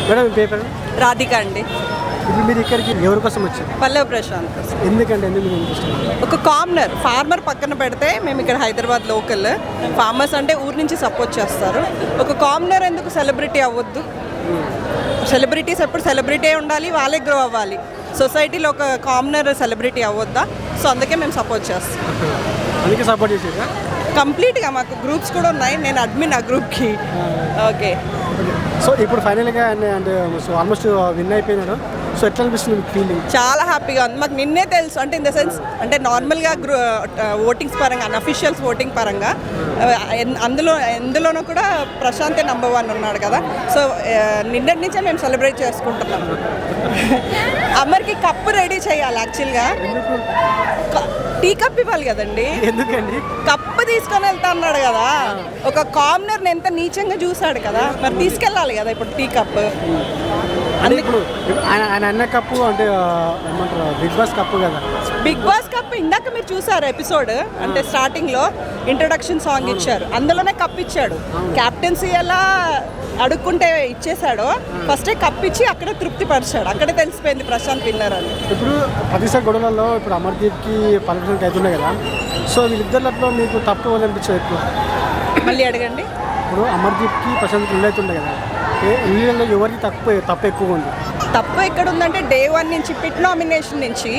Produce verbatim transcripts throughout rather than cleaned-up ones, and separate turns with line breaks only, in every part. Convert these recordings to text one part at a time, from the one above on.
Madam మీ paper
Radhika అండి.
ఇప్పుడు మీరు ఇక్కడికి ఎవరి కోసం వచ్చారు?
పల్లవి ప్రశాంత్ కోసం.
ఎందుకంటే ఎందుకు మీకు ఇంట్రెస్ట్?
ఒక కామనర్ ఫార్మర్ పక్కన పెడితే మేము ఇక్కడ హైదరాబాద్ లోకల్ ఫార్మర్స్ అంటే ఊరి నుంచి సపోర్ట్ చేస్తారు. ఒక కామనర్ ఎందుకు సెలబ్రిటీ అవ్వద్దు? సెలబ్రిటీస్ ఎప్పుడు సెలబ్రిటీ ఉండాలి, వాళ్ళే గ్రో అవ్వాలి. సొసైటీలో ఒక కామనర్ సెలబ్రిటీ అవ్వద్దా? సో అందుకే మేము సపోర్ట్ చేస్తాం.
అందుకే సపోర్ట్ చేసేదా?
కంప్లీట్గా మాకు గ్రూప్స్ కూడా ఉన్నాయి. నేను అడ్మిన్ ఆ గ్రూప్కి. ఓకే.
సో ఇప్పుడు ఫైనల్గా అంటే సో ఆల్మోస్ట్ విన్ అయిపోయినాడు. సో ఎట్లా అనిపిస్తుంది మీకు ఫీలింగ్?
చాలా హ్యాపీగా ఉంది. మాకు నిన్నే తెలుసు అంటే ఇన్ ద సెన్స్ అంటే నార్మల్గా గ్రూ ఓటింగ్స్ పరంగా అన్అఫీషియల్స్ ఓటింగ్ పరంగా అందులో ఎందులోనూ కూడా ప్రశాంతే నెంబర్ వన్ ఉన్నాడు కదా. సో నిన్నటి నుంచే మేము సెలబ్రేట్ చేసుకుంటున్నాం. అమర్కి కప్పు రెడీ చేయాలి యాక్చువల్గా. టీ కప్ ఇవ్వాలి కదండి.
ఎందుకండి?
కప్పు తీసుకొని వెళ్తా అన్నాడు కదా. ఒక కామనర్ని ఎంత నీచంగా చూసాడు కదా, మరి తీసుకెళ్ళాలి కదా ఇప్పుడు టీ కప్.
అంటే ఇప్పుడు ఆయన ఆయన అన్న కప్పు అంటే ఏమంటారు బిగ్ బాస్ కప్పు కదా.
బిగ్ బాస్ కప్ ఇందాక మీరు చూసారు ఎపిసోడ్, అంటే స్టార్టింగ్ లో ఇంట్రొడక్షన్ సాంగ్ ఇచ్చారు, అందులోనే కప్ ఇచ్చాడు. క్యాప్టెన్సీ ఎలా అడుక్కుంటే ఇచ్చేసాడో ఫస్టే కప్ ఇచ్చి అక్కడే తృప్తి పరిచాడు. అక్కడే తెలిసిపోయింది ప్రశాంత్ విన్నర్ అని.
ఇప్పుడు పదిసారి గొడవలలో ఇప్పుడు అమర్దీప్కి పర్మిషన్ అవుతున్నాయి కదా. సో వీళ్ళిద్దరిలో మీకు తప్పు అనిపించదు ఎక్కువ?
మళ్ళీ అడగండి.
ఇప్పుడు అమర్దీప్కి ప్రశాంత్కి ఇల్లు అవుతుండే కదా, ఇళ్ళలో ఎవరికి తప్పు తప్పు ఎక్కువ ఉంది?
తప్పు ఎక్కడ ఉందంటే డే వన్ నుంచి పిట్ నామినేషన్ నుంచి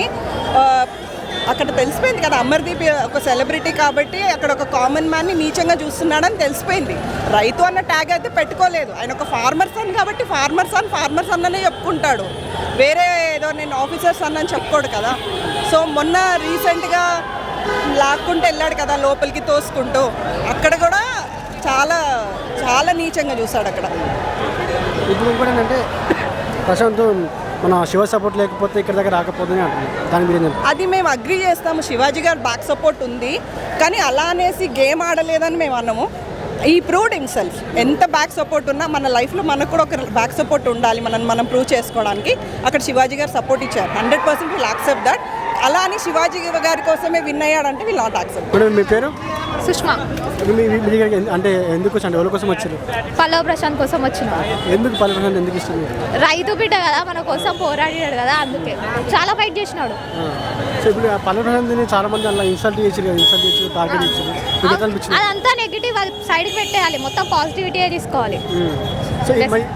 అక్కడ తెలిసిపోయింది కదా, అమర్దీప్ ఒక సెలబ్రిటీ కాబట్టి అక్కడ ఒక కామన్ మ్యాన్ని నీచంగా చూస్తున్నాడని తెలిసిపోయింది. రైతు అన్న ట్యాగ్ అయితే పెట్టుకోలేదు. ఆయన ఒక ఫార్మర్ సన్ కాబట్టి ఫార్మర్ సన్ ఫార్మర్ సన్ అనే చెప్పుకుంటాడు. వేరే ఏదో నేను ఆఫీసర్స్ అన్న అని చెప్పుకోడు కదా. సో మొన్న రీసెంట్గా లాక్కుంటూ వెళ్ళాడు కదా లోపలికి తోసుకుంటూ, అక్కడ కూడా చాలా చాలా నీచంగా చూశాడు అక్కడ.
ఇప్పుడు ఇంకోటి ఏంటంటే ప్రశాంత్ మన శివ సపోర్ట్ లేకపోతే ఇక్కడ దగ్గర రాకపోతుంది అంటున్నాను. దాని మీద
అది మేము అగ్రీ చేస్తాము. శివాజీ గారు బ్యాక్ సపోర్ట్ ఉంది, కానీ అలా అనేసి గేమ్ ఆడలేదని మేము అన్నాము. ఈ ప్రూవ్డ్ హిమ్సెల్ఫ్. ఎంత బ్యాక్ సపోర్ట్ ఉన్నా మన లైఫ్లో మనకు కూడా ఒక బ్యాక్ సపోర్ట్ ఉండాలి, మనం మనం ప్రూవ్ చేసుకోవడానికి. అక్కడ శివాజీ గారు సపోర్ట్ ఇచ్చారు. Hundred percent will accept that. అలా అని శివాజీ గారి కోసమే విన్ అయ్యాడంటే విల్ నాట్ యాక్సెప్ట్.
మీ పేరు?
సుష్మా.
అంటే ఎందుకు వచ్చి అంటే ఎవరి కోసం వచ్చారు?
పల్లవి ప్రశాంత్ కోసం వచ్చిన.
ఎందుకు పల్లవి ప్రశాంత్ ఎందుకు ఇస్తుంది?
రైతు బిడ్డ కదా, మన కోసం పోరాడాడు కదా, అందుకే చాలా ఫైట్ చేసినాడు.
సో ఇప్పుడు పల్లవి ప్రశాంత్ని చాలా మంది అలా ఇన్సల్ట్ చేసారు కదా, ఇన్సల్ట్ చేసి టార్గెట్ ఇచ్చారు.
అదంతా నెగిటివ్, అది సైడ్కి పెట్టేయాలి, మొత్తం పాజిటివిటీ తీసుకోవాలి.
సో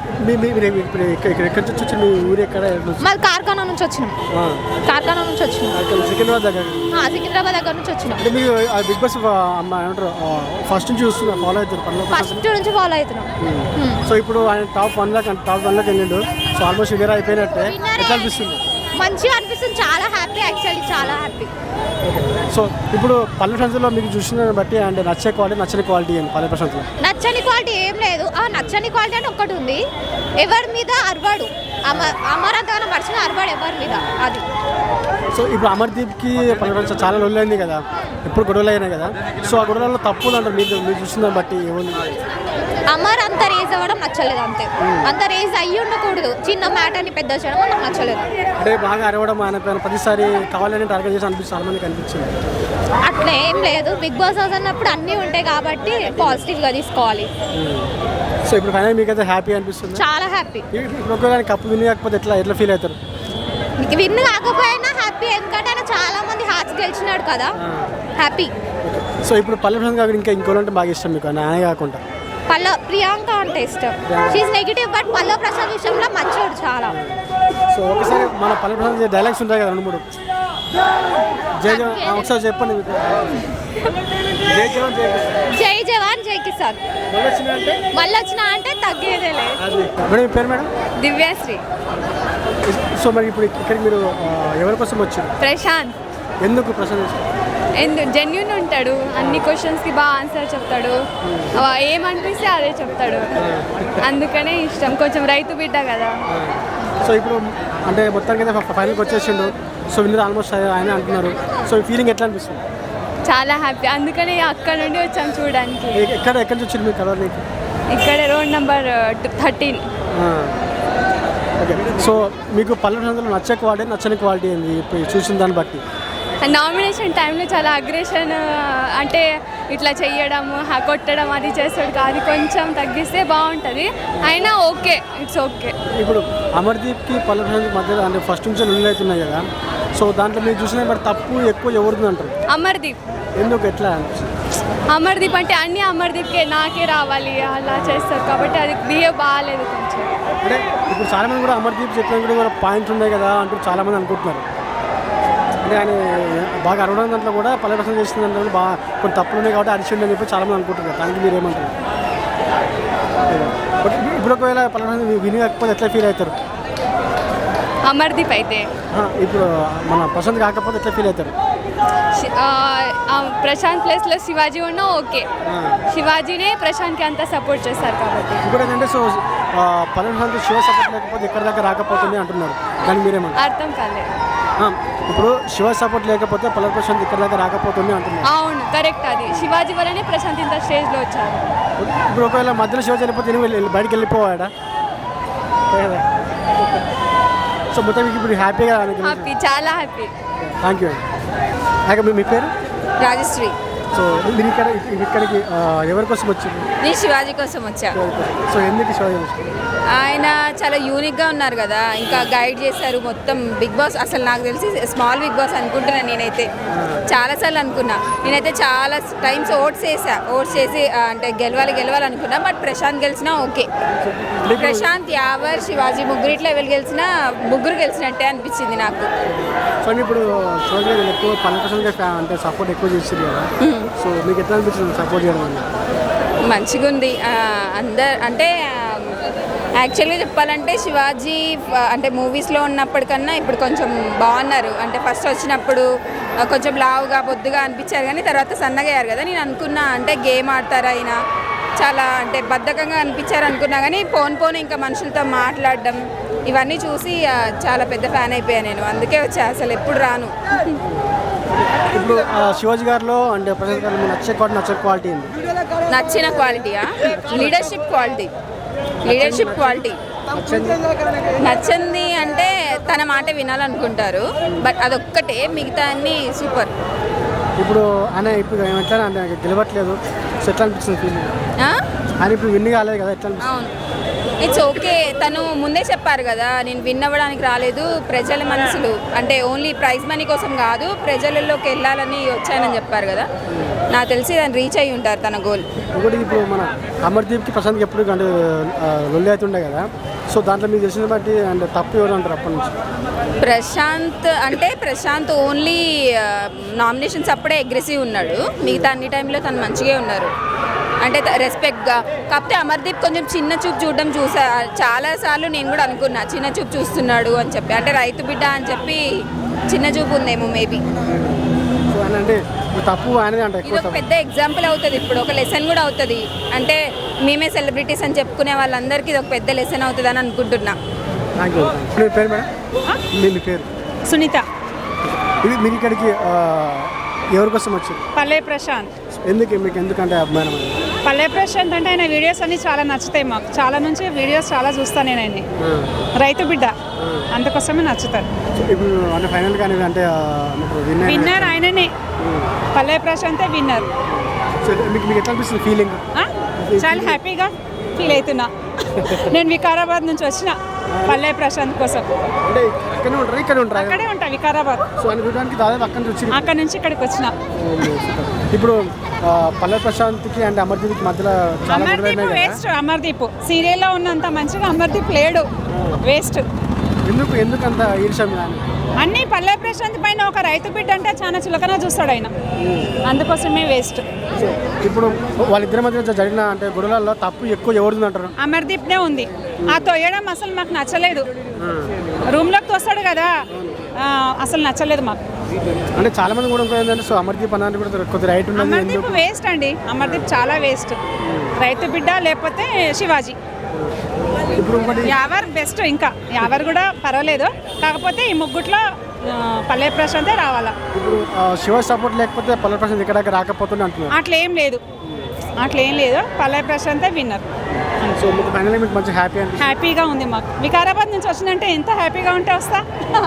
ఇక్కడ ఎక్కడి నుంచి వచ్చి మీ ఊరు ఎక్కడ?
మాది కార్ఖానా నుంచి వచ్చినాం. కార్ఖానా నుంచి వచ్చినాం.
సికింద్రాబాద్ దగ్గర.
సికింద్రాబాద్ దగ్గర నుంచి వచ్చినాం.
అంటే మీరు బిగ్ బాస్ ఏమంటారు ఫస్ట్ నుంచి చూస్తున్నారు, ఫాలో అవుతారు?
ఫస్ట్ నుంచి ఫాలో అవుతున్నాం.
సో ఇప్పుడు ఆయన top one lock top one lock వెళ్ళిండు. సో ఆల్మోస్ట్ విన్నర్ అయిపోయినట్టే. ఎట్లా అనిపిస్తుంది?
మంచిగా అనిపిస్తుంది, చాలా హ్యాపీ, యాక్చువల్లీ చాలా హ్యాపీ.
సో ఇప్పుడు పల్లవి ప్రశాంత్లో మీకు చూసిన బట్టి అంటే నచ్చే క్వాలిటీ నచ్చని క్వాలిటీ ఏంటి పల్లవి ప్రశాంత్లో?
నచ్చని క్వాలిటీ ఏం లేదు. ఆ నచ్చని క్వాలిటీ అని ఒక్కటి ఉంది, ఎవరి మీద అరవాడు. అమర్ అమరంతగానో మర్చిన అరవాడు ఎవరి మీద, అది.
సో ఇప్పుడు అమర్దీప్కి పల్లవి ప్రశాంత్ చాలా రోజులు అయింది కదా, ఎప్పుడు గొడవలు అయినాయి కదా. సో ఆ గొడవలలో తప్పులు అంటారు మీరు మీరు చూసిన బట్టి ఏముంది?
అమర్ అంత రేజ్ అవ్వడం నచ్చలేదు, అంతే. అంత రేజ్ అయ్యి ఉండకూడదు, చిన్న మ్యాటర్ని పెద్ద చేయడం నాకు నచ్చలేదు.
అంటే బాగా అరవడం ఆయన పైన ప్రతిసారి కావాలని టార్గెట్ చేసి అనిపిస్తుంది, చాలా మందికి అనిపించింది.
అట్లా ఏం లేదు, బిగ్ బాస్ హౌస్ అన్నప్పుడు అన్నీ ఉంటాయి కాబట్టి పాజిటివ్గా తీసుకోవాలి.
సో ఇప్పుడు ఫైనల్ మీకు అయితే హ్యాపీ అనిపిస్తుంది?
చాలా హ్యాపీ.
ఇప్పుడు ఒకవేళ కప్పు విన్ కాకపోతే ఎట్లా ఎట్లా ఫీల్ అవుతారు?
విన్ కాకపోయినా హ్యాపీ, ఎందుకంటే ఆయన చాలా మంది హార్ట్స్ గెలిచినాడు కదా, హ్యాపీ.
సో ఇప్పుడు పల్లవి ప్రశాంత్ కాకుండా ఇంకా ఇంకోలంటే బాగా ఇష్టం మీకు ఆయన కాకుండా?
పల్ల ప్రియాంక అంటే ఇష్టం. షీఈ్ నెగిటివ్ బట్ పల్లవి ప్రశాంత్ విషయంలో మంచోడు చాలా.
సో ఒకసారి మన పల్లవి ప్రశాంత్ డైలాగ్స్ ఉంటాయి కదా రెండు మూడు, జై జవాన్ ఒకసారి చెప్పండి. జై జవాన్ జై
జై జవాన్ జై కిసాన్. మళ్ళీ వచ్చిన అంటే తగ్గేదే లేదు.
మేడం పేరు? మేడం
దివ్యాశ్రీ.
సో మరి ఇప్పుడు ఇక్కడికి మీరు ఎవరి కోసం వచ్చారు?
ప్రశాంత్.
ఎందుకు ప్రశాంత్?
ఎందుకు జెన్యూన్ ఉంటాడు, అన్ని క్వశ్చన్స్కి బాగా ఆన్సర్ చెప్తాడు, ఏమనిపిస్తే అదే చెప్తాడు, అందుకనే ఇష్టం. కొంచెం రైతు బిడ్డ కదా.
సో ఇప్పుడు అంటే మొత్తానికి అయితే ఫైనల్కి వచ్చేసిండు. సో విన్నర్ ఆల్మోస్ట్ ఆయన అంటున్నారు. సో ఫీలింగ్ ఎట్లా అనిపిస్తుంది?
చాలా హ్యాపీ, అందుకనే అక్కడ నుండి వచ్చాను చూడడానికి.
ఎక్కడ ఎక్కడి నుంచి వచ్చింది మీరు కలర్?
ఇక్కడ road number thirteen.
Okay. So మీకు పల్లవి ప్రశాంత్లో నచ్చే క్వాలిటీ నచ్చని క్వాలిటీ ఏంది ఇప్పుడు చూసిన దాన్ని బట్టి?
నామినేషన్ టైంలో చాలా అగ్రెషన్, అంటే ఇట్లా చెయ్యడము హ- కొట్టడం అది చేస్తాడు అది కొంచెం తగ్గిస్తే బాగుంటుంది. అయినా ఓకే, ఇట్స్ ఓకే.
ఇప్పుడు అమర్దీప్కి పల్లె ప్రశాంత్ మధ్యలో అంటే ఫస్ట్ నుంచి లొల్లి అవుతున్నాయి కదా, సో దాంట్లో మీరు చూసిన బట్ తప్పు ఎక్కువ ఎవరిది అంటారు?
అమర్దీప్
ఎందుకు ఎట్లా అనిపిస్తుంది?
అమర్దీప్ అంటే అన్నీ అమర్దీప్కే నాకే రావాలి అలా చేస్తారు కాబట్టి అది బిహేవ్ బాగాలేదు కొంచెం.
అంటే ఇప్పుడు చాలామంది కూడా అమర్దీప్ చెప్పిన కూడా మన పాయింట్స్ ఉన్నాయి కదా అంటూ చాలామంది అనుకుంటున్నారు. అంటే ఆయన బాగా అరవడం దాంట్లో కూడా పల్లె ప్రశాంత్ చేసిన దాంట్లో కూడా బాగా కొన్ని తప్పులు ఉన్నాయి కాబట్టి అరిచిండి అని చెప్పి చాలామంది అనుకుంటున్నారు. దానికి మీరు ఏమంటారు? బట్ ఇప్పుడు ఒకవేళ పల్లె ప్రశాంత్ విని కాకపోతే ఎట్లా ఫీల్ అవుతారు?
అమర్దీప్ అయితే
ఆ, ఇప్పుడు మన ప్రశాంత్ కాకపోతే ఎట్లా ఫీల్ అవుతారు?
శి- ఆ, ఆ ప్రశాంత్ ప్లేస్లో శివాజీ ఉన్నా ఓకే. శివాజీనే ప్రశాంత్కి అంతా సపోర్ట్ చేస్తారు కాబట్టి.
ఇంకోటి ఏంటంటే సో పల్లె ప్రశాంత్ శివ సపోర్ట్ లేకపోతే ఎక్కడి దాకా రాకపోతుంది అంటున్నారు. దాన్ని మీరేమంటారు?
అర్థం కాలేదు.
ఆ, ఇప్పుడు శివ సపోర్ట్ లేకపోతే పల్లె ప్రశాంత్ ఇక్కడ దాకా రాకపోతుంది అంటున్నారు.
అవును, కరెక్ట్. అది శివాజీ వల్లనే ప్రశాంత్ ఇంత స్టేజ్లో వచ్చారు.
ఇప్పుడు ఒకవేళ మధ్యలో శివ చనిపోతే నేను వెళ్ళి బయటికి వెళ్ళిపోవాడా? సో మొత్తం మీకు ఇప్పుడు హ్యాపీగా
హ్యాపీ, చాలా హ్యాపీ.
థ్యాంక్ యూ అండి. మీ మీ పేరు?
రాజశ్రీ.
సో మీరు ఇక్కడ ఇక్కడికి ఆ, ఎవరి కోసం వచ్చింది?
నేను శివాజీ కోసం వచ్చా.
సో ఎందుకు శివాజీ వచ్చింది?
ఆయన చాలా యూనిక్గా ఉన్నారు కదా, ఇంకా గైడ్ చేశారు మొత్తం. బిగ్ బాస్ అసలు నాకు తెలిసి స్మాల్ బిగ్ బాస్ అనుకుంటున్నాను నేనైతే. చాలాసార్లు అనుకున్నా నేనైతే, చాలా టైమ్స్ ఓట్స్ వేసా. ఓట్స్ చేసి ఆ, అంటే గెలవాలి గెలవాలి అనుకున్నా. బట్ ప్రశాంత్ గెలిచినా ఓకే. ప్రశాంత్, యావర్, శివాజీ ముగ్గురిట్లో ఎవరు గెలిచినా ముగ్గురు గెలిచినట్టే అనిపించింది నాకు.
సో ఇప్పుడు శివాజీ గారు ఎక్కువ పల్లె ప్రశాంత్ గారు అంటే సపోర్ట్ ఎక్కువ చేసింది కదా, సో మీకు ఎట్లా అనిపించింది సపోర్ట్ చేయడం వల్ల?
మంచిగా ఉంది. అందరు అంటే యాక్చువల్గా చెప్పాలంటే శివాజీ ఆ, అంటే మూవీస్లో ఉన్నప్పటికన్నా ఇప్పుడు కొంచెం బాగున్నారు. అంటే ఫస్ట్ వచ్చినప్పుడు ఆ, కొంచెం లావుగా బొద్దుగా అనిపించారు, కానీ తర్వాత సన్నగా అయ్యారు కదా. నేను అనుకున్నా అంటే గేమ్ ఆడతారు ఆయన, చాలా అంటే బద్ధకంగా అనిపించారు అనుకున్నా, కానీ పోను పోను ఇంకా మనుషులతో మాట్లాడడం ఇవన్నీ చూసి ఆ, చాలా పెద్ద ఫ్యాన్ అయిపోయాను నేను. అందుకే వచ్చా, అసలు ఎప్పుడు రాను.
ఇప్పుడు ఆ, శివాజీ గారిలో అంటే ప్రశాంత్ గారు మీకు నచ్చే క్వాలిటీ నచ్చే క్వాలిటీ ఏంటి?
నచ్చిన క్వాలిటీయా? Leadership quality. లీడర్షిప్ క్వాలిటీ నచ్చింది అంటే తన మాట వినాలనుకుంటారు, బట్ అదొక్కటే, మిగతా అన్ని సూపర్.
ఇప్పుడు ఆయన ఇప్పుడు ఎట్లా అంటే గెలవట్లేదు, సో ఎట్లా అనిపిస్తుంది ఫీలింగ్?
ఆ?
ఆయన ఇప్పుడు విన్ కాలేదు కదా, ఎట్లా అనిపిస్తుంది?
అవును, ఇట్స్ ఓకే. తను ముందే చెప్పారు కదా, నేను విన్ అవ్వడానికి రాలేదు, ప్రజల మనసులు అంటే ఓన్లీ ప్రైజ్ మనీ కోసం కాదు, ప్రజలలోకి వెళ్ళాలని వచ్చానని చెప్పారు కదా. నాకు తెలిసి దాన్ని రీచ్ అయ్యి ఉంటారు తన గోల్.
ఇంకోటి ఇప్పుడు మన అమర్దీప్కి ప్రశాంత్కి ఎప్పుడు అంటే ఆ, లొల్లి అవుతుండే కదా, సో దాంట్లో మీకు తెలిసిన బట్టి అంటే తప్పు ఎవరు అంటారు అప్పటి నుంచి?
ప్రశాంత్ అంటే ప్రశాంత్ ఓన్లీ నామినేషన్స్ అప్పుడే అగ్రెసివ్ ఉన్నాడు, మిగతా అన్ని టైంలో తను మంచిగా ఉన్నారు. అంటే రెస్పెక్ట్గా. కాకపోతే అమర్దీప్ కొంచెం చిన్న చూపు చూడడం చూసా, చాలాసార్లు నేను కూడా అనుకున్నా చిన్న చూపు చూస్తున్నాడు అని చెప్పి. అంటే రైతు బిడ్డ అని చెప్పి చిన్న చూపు ఉందేమో మేబీ.
సో ఆయన అంటే ఇప్పుడు తప్పు ఆయనదే అంట
ఇది
ఎక్కువ
ఒక
తప్పు.
పెద్ద ఎగ్జాంపుల్ అవుతుంది, ఇప్పుడు ఒక లెసన్ కూడా అవుతుంది. అంటే మేమే సెలబ్రిటీస్ అని చెప్పుకునే వాళ్ళందరికీ ఇది ఒక పెద్ద లెసన్ అవుతుంది అని అనుకుంటున్నా.
Thank you. మీ పేరు మేడం? మీ మీ పేరు?
సునీత.
ఇది మీరు ఇక్కడికి ఆ, ఎవరి కోసం వచ్చింది?
పల్లె ప్రశాంత్.
ఎందుకు మీకు ఎందుకంటే అభిమానం అది?
పల్లె ప్రశాంత్ అంటే ఆయన వీడియోస్ అన్ని చాలా నచ్చుతాయి మాకు. చాలా నుంచి వీడియోస్ చాలా చూస్తాను నేను ఆయన.
ఆ,
రైతు బిడ్డ, అందుకోసమే నచ్చుతాడు.
సో ఇప్పుడు అంటే ఫైనల్ కానీ అంటే ఆ, మీకు win అయిన-
విన్నర్ ఆయననే, పల్లె ప్రశాంతే విన్నర్.
సో మీకు మీకు ఎట్లా అనిపిస్తుంది ఫీలింగ్?
చాలా హ్యాపీగా ఫీల్ అవుతున్నా. నేను వికారాబాద్ నుంచి వచ్చిన పల్లె ప్రశాంత్ కోసం.
అంటే ఇక్కడనే ఉంటారు ఇక్కడ ఉంటారు
అక్కడే ఉంటా వికారాబాద్.
సో అని చూడడానికి దాదాపు అక్కడి నుంచి వచ్చి
అక్కడ నుంచి ఇక్కడికి వచ్చిన.
ఇప్పుడు ఆ, పల్లె ప్రశాంత్కి అండ్ అమర్దీప్కి మధ్యలో చాలా గొడవలు
అమర్దీప్
ఉన్నాయి కదా,
వేస్ట్. అమర్దీప్ సీరియల్లో ఉన్నంత మంచిగా అమర్దీప్ లేడు, వేస్ట్.
ఎందుకు ఎందుకంత ఈర్ష్య మీద అని?
అన్నీ పల్లె ప్రశాంత్ పైన ఒక రైతు బిడ్డ అంటే చాలా చులకన చూస్తాడు ఆయన, అందుకోసమే వేస్ట్.
సో ఇప్పుడు వాళ్ళిద్దరి మధ్య జరిగిన అంటే గొడవలలో తప్పు ఎక్కువ ఎవరిది అంటారు?
అమర్దీప్నే ఉంది. ఆ తొయ్యడం అసలు మాకు నచ్చలేదు. రూమ్లోకి తోస్తాడు కదా, ఆ, అసలు నచ్చలేదు మాకు.
అంటే చాలా మంది కూడా ఇంకో ఏంటంటే సో అమర్దీప్ అన్నది కూడా కొద్ది రైట్ ఉన్నది
అమర్దీప్
ఎందుకు?
వేస్ట్ అండి. అమర్దీప్ చాలా వేస్ట్. రైతు బిడ్డ లేకపోతే శివాజీ.
ఇప్పుడు ఇంకోటి
యావర్ బెస్ట్. ఇంకా యావర్ కూడా పర్వాలేదు, కాకపోతే ఈ ముగ్గుట్లో ఆ, పల్లె ప్రశాంతే రావాలా.
ఇప్పుడు ఆ, శివ సపోర్ట్ లేకపోతే పల్లె ప్రశాంత్ ఇక్కడ దాకా రాకపోతుంది అంటున్నారు.
అట్లా ఏం లేదు, అట్లా ఏం లేదు. పల్లె ప్రశాంతే విన్నర్.
సో మీకు ఫైనల్ మీకు మంచి హ్యాపీ అంటే
హ్యాపీగా ఉంది మాకు. వికారాబాద్ నుంచి వచ్చిందంటే ఎంత హ్యాపీగా ఉంటే వస్తా.